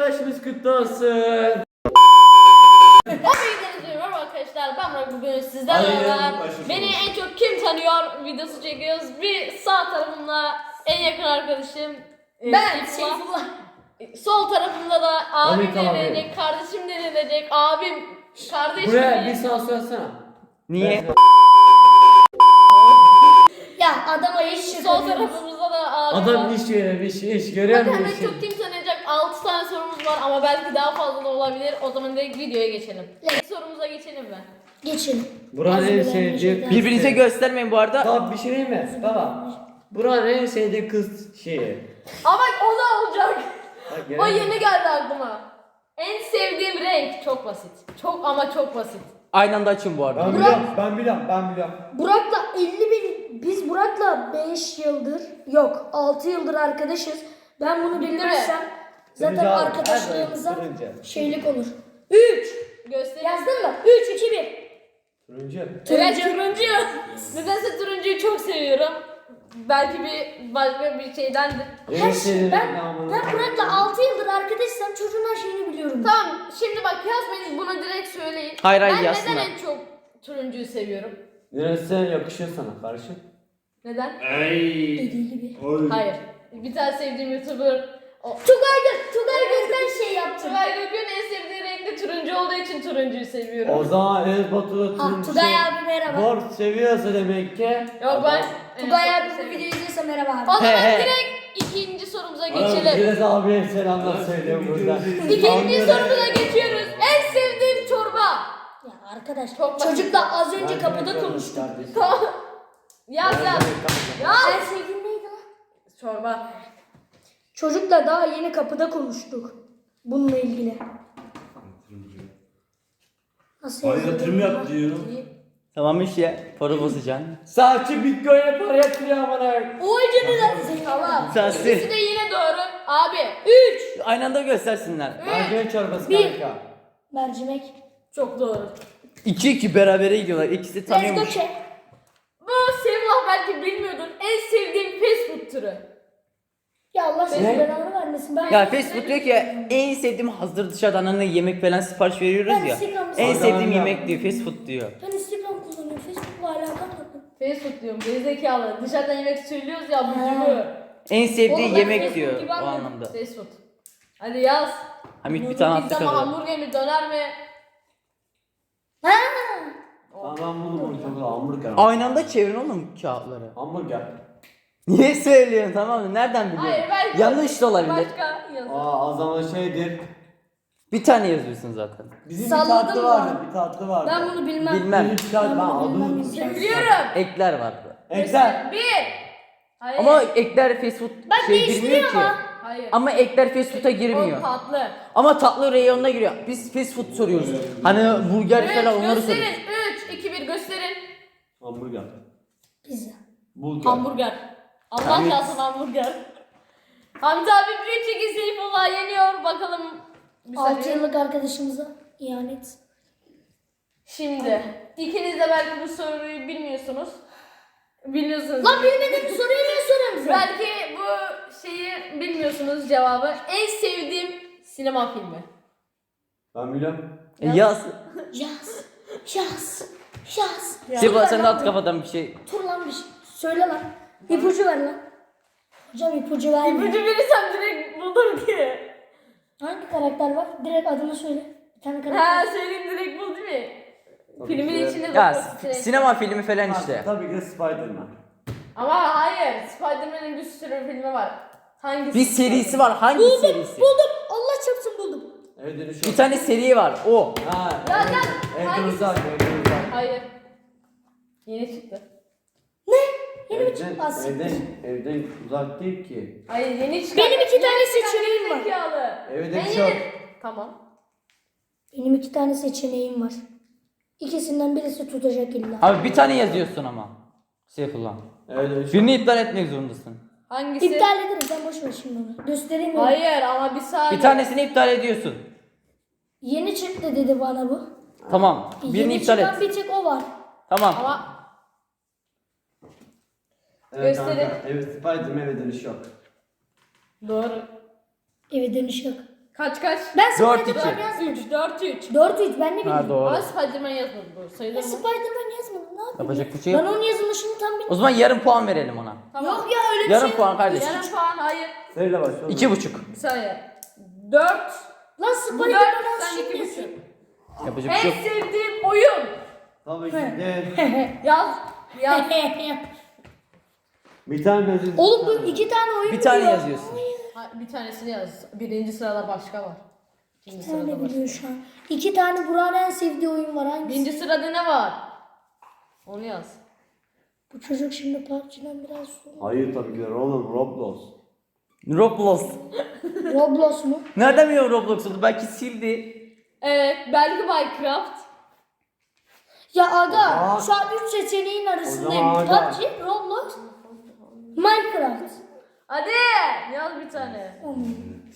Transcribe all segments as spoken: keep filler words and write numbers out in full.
yılbaşımız kutlu olsun. Hepinize merhaba arkadaşlar. Ben Burak, bugün sizlerle beraber beni en çok kim tanıyor videosu çekiyoruz. Bir sağ tarafımda en yakın arkadaşım ben Seyfullah. Sol tarafımda da abim denilecek, kardeşim denilecek, abim, kardeşim. Buraya bir sağ söylesene. Niye? Ya adama iş Sol tarafımızda da abim Adam var. iş görüyormuş, iş görüyor Bakın musun? hemen çok kim tanıyacak? altı tane sorumuz var ama belki daha fazla da olabilir. O zaman direkt videoya geçelim. İlk sorumuza geçelim mi? Geçin. Buranın en sevdiği... Birbirinize göstermeyin bu arada. Baba bir şey değil mi? Baba. Buranın en sevdiği kız şeyi. Ama o da olacak. Bak, O gelelim. yeni geldi aklıma. En sevdiğim renk çok basit. Çok ama çok basit. Aynı anda açın bu arada. Ben biliyorum, ben biliyorum, ben biliyorum. Burak'la elli bin, biz Burak'la beş yıldır, yok altı yıldır arkadaşız. Ben bunu Bitti mi? bilmezsem zaten Turuncu abi, arkadaşlığımıza her renk turuncu. şeylik olur. üç. Göster. Yazdın mı? üç, iki, bir. Turuncu. Evet, turuncu. Nedense turuncuyu çok seviyorum. Belki bir başka bir şeydendir. Her şey, ben, ben Burak'la altı yıldır arkadaşsam çocuğun her şeyini biliyorum. Tamam, şimdi bak yazmayın, bunu direkt söyleyin. Hayır, hayır, ben yazsınlar. neden en çok turuncuyu seviyorum? Neresi yakışıyor sana kardeşim? Neden? Dediği gibi. Hayır. Bir tane sevdiğim YouTuber o. Tugay Gök, Tugay Gök'ten şey yaptım. Tugay Gök'ün en sevdiği renk de turuncu olduğu için turuncuyu seviyorum. O zaman Enes Batur'da Ah, turuncu Tugay şey... abi merhaba. Mor seviyorsa demek ki... Yok ben Tugay en abi çok bu seviyorum. videoyu izliyorsa merhaba O abi. zaman He, he. direkt ikinci sorumuza Oğlum, geçelim. Enes abiye selamlar söylüyorum burada. İkinci Anlıyorum. sorumuza geçiyoruz. En sevdiğim çorba. Ya arkadaş, Çok basit. çocukla az önce Ben kapıda demek konuştuk. kardeşim. Tamam. Yaz Ben yaz. demek kardeşim. Yaz. En sevdiğin neydi lan? Çorba. Çocukla daha yeni kapıda konuştuk. Bununla ilgili. Nasıl Ay yazılır yatırım bunlar? yap diyor. Tamam işte. Para bozacaksın. Saatçi Bitcoin'e para yatırıyor amına. Oy canına. Tamam. Sensin. İkisi de yine doğru. Abi. Üç. Aynı anda göstersinler. Mercimek çorbası Bir. kanka. Mercimek. Çok doğru. iki iki berabere gidiyorlar. İkisi Let's go tanıyormuş. check. Bu Sevlah belki bilmiyordun. En sevdiğim fast food türü. Ya Allah senin Ne? belanı vermesin. Ben Ya Facebook diyor ki en sevdiğim hazır dışarıdan hani yemek falan sipariş veriyoruz Ben ya. Instagram'da- En sevdiğim Adam yemek diyor fast food diyor. Ben Instagram kullanıyorum. Facebook'la alakam yok. Fast food diyorum. Gerizekalı. Abur yemek söylüyoruz ya. Abur En sevdiği Oğlum, yemek Fast food diyor gibi o anladım. anlamda. Fast food. Hadi yaz. Hamit bir tane attı Pizza mı, kadar. hamburger mi, döner mi? Ha. Tamam ben buldum onu çok güzel hamburger. Aynı anda çevirin oğlum kağıtları. Hamburger. Niye söylüyorsun tamam mı? Nereden biliyorsun? Hayır belki. Yanlış da olabilir. Başka yaz. Aa o zaman şeydir. Bir tane yazıyorsun zaten. Bizim Salladım bir tatlı mı? vardı, bir tatlı vardı. Ben bunu bilmem. Bilmem. Bir tatlı ben Ben bunu adını bilmem. unuttum. Ben biliyorum. Ekler vardı. Ekler. Bir. Hayır. Ama ekler fast food Bak şey değiştiriyor girmiyor ki. ama. Hayır. Ama ekler fast food'a girmiyor. O tatlı. Ama tatlı reyonuna giriyor. Biz fast food soruyoruz. Hani burger Üç, falan onları gösterin. soruyoruz. Üç, iki, bir gösterin. Hamburger. Pizza. Burger. Hamburger. Allah Hamit. kalsın hamburger. Hamit abi bir çeki Seyfullah yeniyor. Bakalım. Bir altı saniye. yıllık arkadaşımıza ihanet. Şimdi ikiniz de belki bu soruyu bilmiyorsunuz. Biliyorsunuz. Lan bilmediğim soruyu niye soruyorsun bize? Belki bu şeyi bilmiyorsunuz cevabı. En sevdiğim sinema filmi. Ben biliyorum. E yaz. Yaz. Yaz. Yaz. Sefa sen de at kafadan bir şey. Tur lan bir şey. Söyle lan. İpucu ver lan. Hocam ipucu verme. İpucu verirsem direkt bulur ki. Hangi karakter var? Direkt adını söyle. Bir tane Ha karakter. söyleyeyim direkt bul değil mi? Tabii Filmin ki. içinde Ya bak, s- direkt. sinema filmi falan işte. Tabii ki de Spiderman. Ama hayır. Spider-Man'in bir sürü filmi var. Hangisi? Bir serisi var. Hangi Buldum. serisi? Buldum. Allah çarpsın buldum. Evde bir şey. Bir tane seri var. O. Ha. Ya ev- ya, Evden hangisi? uzak, evden uzak. Hayır. Yeni çıktı. Ne? Yeni bir Evden, çıktı aslında. evden, evden uzak değil ki. Hayır yeni çıktı. Benim iki tane seçeneğim var. Zekalı. Evde Ben bir şey yok. yeni- Tamam. Benim iki tane seçeneğim var. İkisinden birisi tutacak illa. Abi bir tane yazıyorsun ama. Seyfullah. Evde bir şey Birini iptal etmek zorundasın. Hangisi? İptal ederim. Sen boş ver şimdi onu. Göstereyim mi? Hayır ama bir saniye. Bir tanesini iptal ediyorsun. Yeni çıktı dedi bana bu. Tamam. Birini Yeni iptal çıkan et. bir tek o var. Tamam. Ama Evet, Gösterin. kanka, evet Spiderman eve dönüş yok. doğru. Eve dönüş yok. Kaç kaç? Ben Dört Spider-Man iki. yazmadım. üç dört üç. dört üç ben ne bileyim. Ha doğru. Ama Spider-Man yazmadı bu. Sayılır Ben mı? Spider-Man yazmadım. Ne yapayım? Yapacak ya? bir şey Ben yok. onun yazılışını tam bilmiyorum. O zaman yarım puan verelim ona. Tamam. Yok ya öyle bir Yarım şey. puan kardeş. Yarım puan hayır. Söyle başla. İki buçuk. Bir saniye. dört. Lan Bu dört. Spider-Man Sen iki şimdi. buçuk. Yapacak bir şey En yok. sevdiğim oyun. Tabii ki de. Yaz. Yaz. Bir tane yazın. Oğlum bu iki tane oyun Bir tane biliyor. yazıyorsun. Ha, bir tanesini yaz. Birinci sırada başka var. İkinci Bir sırada tane başka. biliyor şu an. İki tane Burak'ın en sevdiği oyun var. Hangisi? Birinci sırada ne var? Onu yaz. Bu çocuk şimdi P U B G'den biraz sonra. Hayır tabii ki de oğlum Roblox. Roblox. Roblox mu? Nereden biliyorum Roblox oldu? Belki sildi. Evet. Belki Minecraft. Ya aga Aa. şu an üç seçeneğin arasındayım. O P U zaman aga. B G, Roblox, Minecraft. Hadi yaz bir tane. Hmm.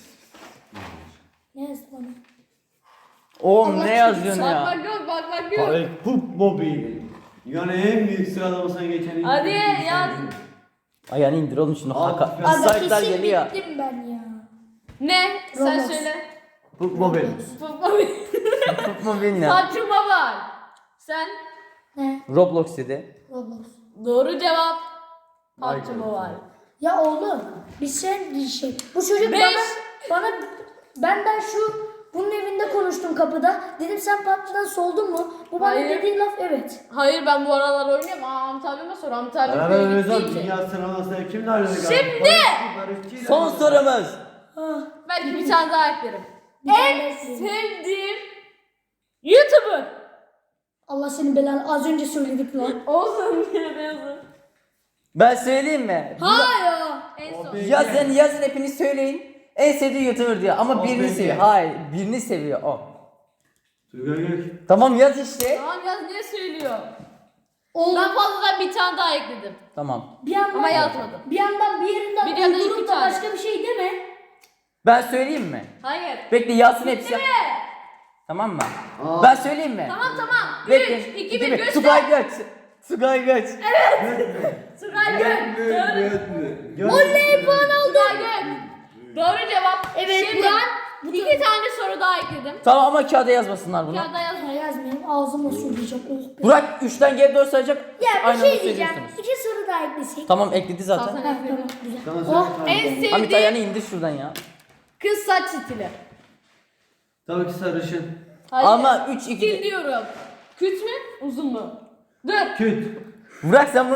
Ne yazdı bana? Oğlum Allah ne yazıyorsun Bak ya? bak yok bak bak yok. Tabii Pup Mobil. Yani en büyük sıralamasına geçen. Hadi yaz. Ayağını indir oğlum şunu. Abi, Haka. ben- Aga Saytlar kesin geliyor. bittim ben ya. Ne? Sen Roblox. söyle. Pup Mobil. Tutma beni ya. Saçma var. Sen Ne? Roblox dedi. Roblox. doğru cevap. Minecraft. Saçma var. Ya oğlum bir şey bir şey. Bu çocuk Beş. bana bana benden şu bunun evinde konuştum kapıda. Dedim sen P U B G'den soldun mu? Bu bana Hayır. dediği laf evet. Hayır ben bu aralar oynuyorum. Aa Hamit abime sor. Hamit abi Beraber köye oynayacağız. gittiği için. Dünya sıralamasına kimle oynadık? Şimdi! Son sorumuz. Ah, Belki bir tane daha eklerim. bir tane En ekleyelim. sevdiğim YouTuber. Allah senin belanı az önce söyledik lan. Olsun diye de yazın. Ben söyleyeyim mi? Hayır. En son. Abi. Yazın yazın hepiniz söyleyin. En sevdiği YouTuber diyor ama O birini peki. seviyor. Hayır birini seviyor o. Turgay Gök. Tamam yaz işte. Tamam yaz niye söylüyor? Oğlum Ben fazladan bir tane daha ekledim. Tamam. bir yandan Ama yazmadım. bir yandan bir yerinden Bir ya da iki uydurup da tane. başka bir şey deme. Ben söyleyeyim mi? Hayır. Bekle yazsın hepsi. Değil mi? Tamam mı? Aa. Ben söyleyeyim mi? Tamam tamam. Bekle. üç, iki, bir bir. göster. Tugay Göç. Tugay Göç. Tugay Gök. Doğru. Göt mü? Göt Oley puan aldım. Tugay Gök. Doğru cevap. Evet, Şimdi Burak. iki tane soru daha ekledim. Tamam ama kağıda yazmasınlar bunu. Kağıda yaz. Ha, yazmayayım ağzımla söyleyeceğim. Oh be. Burak üçten geri doğru sayacak. Ya bir Aynı şey anda diyeceğim. söylüyorsunuz. İki soru daha eklesek. Tamam ekledi zaten. Tamam. Ha, tamam güzel. Sana söyle. Oh. En Hamit ayağını sevdiğim indir şuradan ya. kız saç stili. Tabii ki sarışın. Hayır. Ama üç Stil iki. diyorum. Küt mü? Uzun mu? Dur. Küt. Burak sen bunu...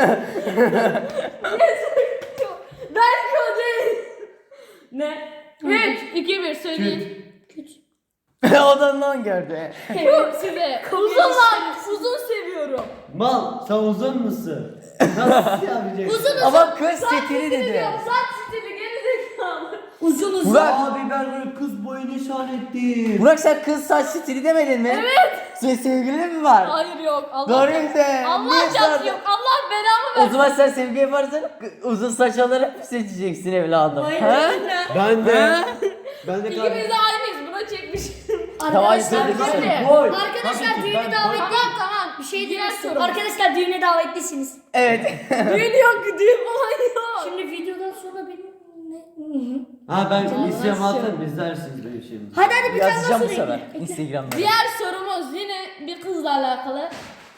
Belki o değil. Ne? üç, iki, bir söyleyin. Küt. Odandan gördü. Çok size. Uzun var. Uzun seviyorum. Mal sen uzun musun? Nasıl yapacaksın? Uzun Ama kız Saç stili dedi. diyorum, Saç stili gerizekalı. Uzun uzun. Burak, Abi ben böyle kız boyu nişan ettim. Burak sen kız saç stili demedin mi? Evet. Senin sevgilin mi var? Hayır yok. Allah Doğru de. Allah Niye cazı sordun? yok. Allah belamı O versin. zaman sen sevgi yaparsan uzun saç alarak seçeceksin evladım. Hayır. Ha? Ben de. Ben de İkimiz kardeşim. de aynıyız. Buna çekmişim. Arkadaşlar, Tamam, hadi. hadi. Boy. Arkadaşlar Tabii ki, düğüne ben davetli. Tamam tamam. Bir şey Diğer diyeceğim. soru. Arkadaşlar düğüne davetlisiniz. Evet. Düğün yok. Düğün falan yok. Şimdi videodan sonra benim ne? Ha ben Canım, isyan nasıl? atın izlersiniz benim şeyimi. Hadi hadi bir tane daha Yazacağım bu soru sefer. ekle. Instagram'da. Diğer sorumuz yine bir kızla alakalı.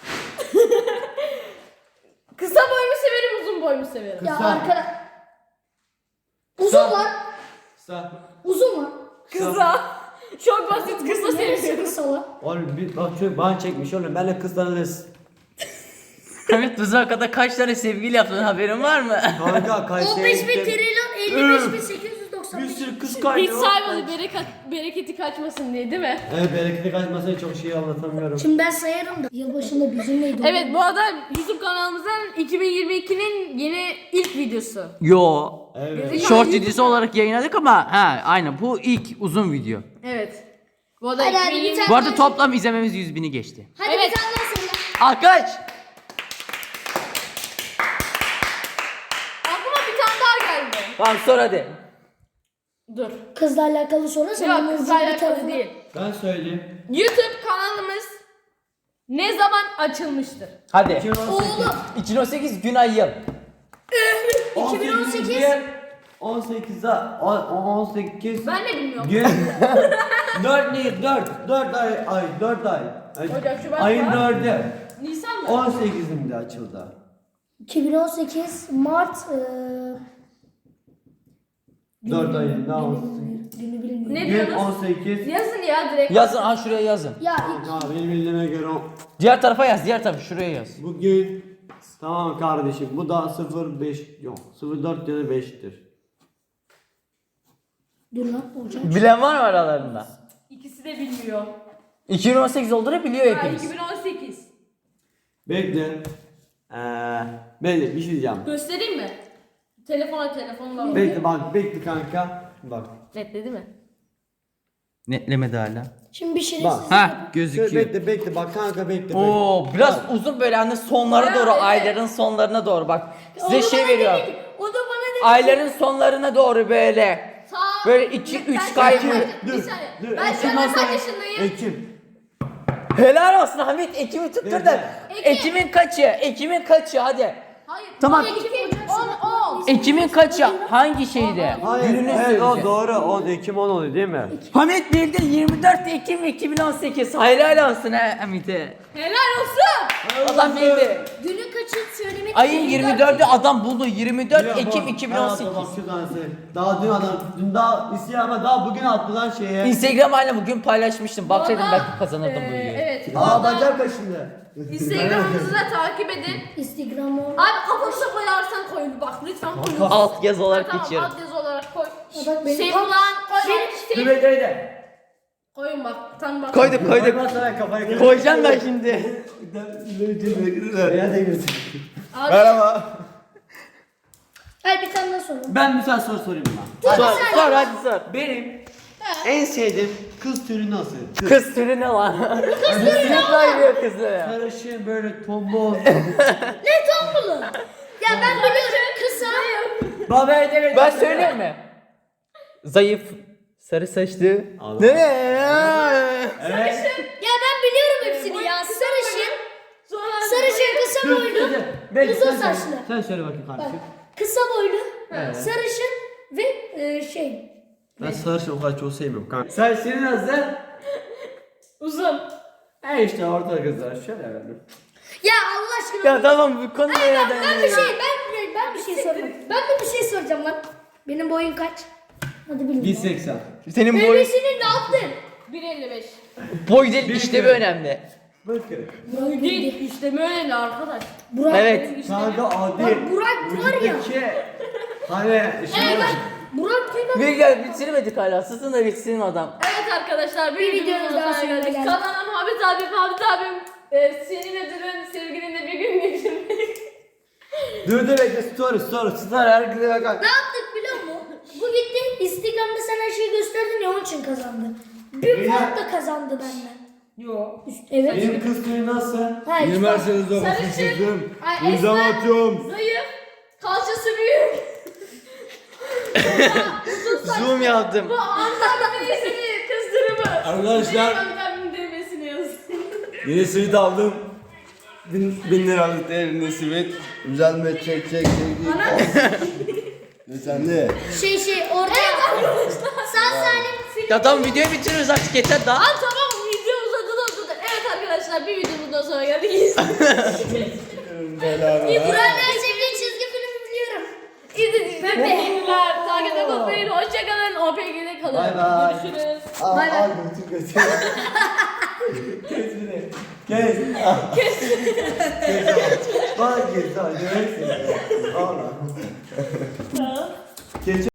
Kısa boy mu severim, uzun boy mu severim? Ya Kısa. arkadaş. Uzun lan. Kısa. Uzun lan. Kısa. Çok basit kısa Neresi seviyorum. kısa lan? Oğlum bir bak şöyle bana çekmiş oğlum benle kızlarınız. Hamit Tuzaka'da kaç tane sevgili yaptın haberin var mı? Kanka on Kayseri'ye beş bin gittim. trilyon elli beş bin sekiz yüz doksan Bir beş. sürü kız kaydı. Hiç saymadı bereket, bereketi kaçmasın diye değil mi? Evet bereketi kaçmasına çok şey anlatamıyorum. Şimdi ben sayarım da. Yılbaşında bizim neydi? Evet bu arada YouTube kanalımızın iki bin yirmi ikinin yeni ilk videosu. Yo. Evet. Short videosu olarak yayınladık ama ha aynen bu ilk uzun video. Evet. Bu arada Hadi, hadi, bir iki bin yirmi tane- Bu arada toplam izlememiz yüz bini geçti. Hadi Evet. bir tane daha söyle. Alkış. aklıma bir tane daha geldi. Tamam sor hadi. Dur. Kızla alakalı soru sen Yok onun kızla ucunu bir alakalı tarafına- değil. Ben söyleyeyim. YouTube kanalımız ne zaman açılmıştır? Hadi. iki bin on sekiz. Oğlum iki bin on sekiz gün ay yıl. iki bin on sekiz. diğer- on sekize on sekiz Ben de bilmiyorum. gün dört değil dört dört ay ay dört ay. Ocak, Şubat, Ayın Mart. dördü Nisan'da. on sekizinde açıldı. iki bin on sekiz Mart eee dört ayın daha on günü bilmiyorum. Ne Gün diyorsunuz? on sekiz. Yazın ya direkt. Yazın, ha şuraya yazın. Ya ilk Ha benim bildiğime göre o- Diğer tarafa yaz, diğer tarafa şuraya yaz. bugün tamam kardeşim bu da sıfır beş yok sıfır dört ya da beştir. dur lan Ocak. Bilen var mı aralarında? İkisi de bilmiyor. iki bin on sekiz olduğunu biliyor Ha, hepimiz. iki bin on sekiz. Bekle. Eee bekle bir şey diyeceğim. Göstereyim mi? Telefona telefonla. Bekle bak bekle kanka. Bak. Netledi mi? Netlemedi hala. Şimdi bir Bak. şerefsiz. Ha Şöyle gözüküyor. bekle bekle bak kanka bekle. bekle. Oo biraz uzun böyle hani sonlara doğru, Evet. ayların sonlarına doğru bak. Size Onu şey bana veriyorum. dedi, O da bana dedi. Ayların sonlarına doğru böyle. Ta Böyle iki, Ben- üç ben- kaydı. Bir Dur, saniye. dur, Ben şu Ekim an olsa- kaç yaşındayım? Ekim. Helal olsun Hamit, Ekim'i tuttur da. Ekim. Ekim'in kaçı? Ekim'in kaçı hadi. Hayır. Tamam. Ekim, on, on. Ekim'in kaçı? Hangi şeyde? Hayır, Gününü evet, o söyleyeceğim. doğru. O Ekim on oluyor değil mi? Hamit bildin, yirmi dört Ekim iki bin on sekiz. Helal olsun ha Hamit'e. Helal olsun. Adam bildi. Günü kaçı söylemek Ayın yirmi dördü adam buldu. yirmi dört Ya Ekim bak, iki bin on sekiz. hayata bak şuradan sen. Daha dün adam, dün daha istiyor ama daha bugün attı lan şeye. Instagram haline bugün paylaşmıştım. Baksaydım Valla, belki kazanırdım bu e, videoyu. Evet. Aa Valla bacak kaşındı. Instagram'ımızı da takip edin. Instagram'ı. Abi kafanıza koyarsan koyun bak lütfen koyun. Alt yazı olarak Tamam geçiyorum. alt yazı olarak koy. Ya bak benim Şey tam- falan koy. Dur Şey, bekle bekle. koyun bak. Tam bak. Koyduk koyduk. Koyma sana kafayı. Koyacağım da şimdi. Ya da girsin. Abi, Merhaba. Hayır bir tane daha sorun. Ben bir tane soru sorayım lan. Sor, sor hadi sor. Benim en sevdiğim kız türü nasıl? Kız türü ne lan? Kesinlikle ayırıyor kızları ya. Sarışın böyle tombul. Ne tombulu? Ya ben biliyorum kısa. Baba evet. Ben söyleyeyim mi? Zayıf, sarı saçlı. Allah. Ne? Evet. Ya ben biliyorum hepsini ya. Sarışın. sonra Sarışın kısa Dur, boylu. dur, dur. Bekle, Uzun sen söyle. saçlı. Sen söyle bakayım Bak kardeşim. kısa boylu. Evet. Sarışın ve e, şey. Ben sarışın o kadar çok sevmiyorum kanka. Sen senin nasıl? uzun. E işte orta kızlar şöyle yani. Ya Allah aşkına. Ya tamam bu konu nereden? Ben bir şey ben ben bir şey soracağım. Ben de bir şey soracağım lan. Benim boyum kaç? Hadi bilin. bir seksen. Senin boy, Bebesini ne yaptın? bir elli beş. boy değil işlevi önemli. Bakın. Boy Değil işte böyle arkadaş. Burak. Evet. Kanka adi. Bak Burak var ya. Buradaki hani şimdi Evet bak. Burak duymadı. Bir gel bitirmedik hala. Susun da bitsin adam. Evet arkadaşlar bir, Bir videomuzun videonun daha sonuna sonuna geldik. geldik. Kanalıma Muhammed abim, Muhammed abim e, senin ödülün sevgilinle bir gün geçirmek. dur dur bekle story story story herkese bakar. Ne yaptık biliyor musun? Bu gitti Instagram'da sen her şeyi gösterdin ya onun için kazandı. Bir fark da kazandı benden. Yok. Evet. Benim kız türü nasıl? Ha, işte. Üniversitede Sarışın, ay, İmza esmer, atıyorum. zayıf, kalçası büyük. Zoom yaptım. Bu anlamda iyisini kızdırımı. Arkadaşlar Muhammed abimin demesini yazın. yeni simit aldım. Bin, bin liralık değerinde simit. Güzel mi? Çek çek çek. Ne sende? Şey şey orada. Sağ salim film. Ya tamam videoyu bitiriyoruz artık yeter daha. Aa tamam video uzadı da uzadı. Evet arkadaşlar bir videomuzdan sonra geldik. Burak'ın her sevdiği çizgi filmi biliyorum. İzlediğiniz için teşekkürler. Takip etmeyi hoşçakalın. O P G'de kalın. Bay bay. Görüşürüz. Al Bay bay. al götür götür. Kes beni. Kes. Kes. Kes. Bana kes. Hadi. Valla. Geç.